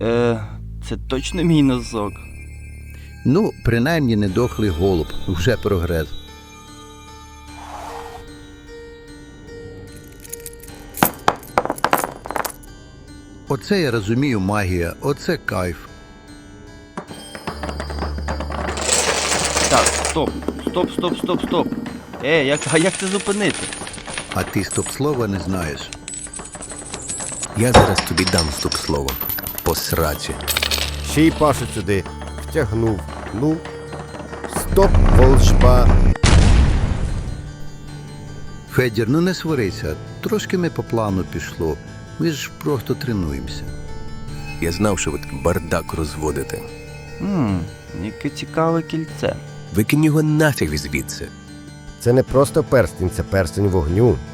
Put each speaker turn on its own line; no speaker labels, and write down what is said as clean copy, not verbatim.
Це точно мій носок?
Ну, принаймні не дохлий голуб. Вже прогрес. Оце я розумію магія, оце кайф.
Так, стоп. Стоп. Як це зупинити?
А ти стоп-слова не знаєш.
Я зараз тобі дам стоп-слово. По сраці.
Ще й Пашу сюди втягнув. Ну, стоп, волшба.
Федір, ну не сварися. Трошки ми по плану пішло. Ми ж просто тренуємося.
Я знав, що ви тут бардак розводите.
Яке цікаве кільце.
Викинь його нафіг звідси.
Це не просто перстень, це перстень вогню.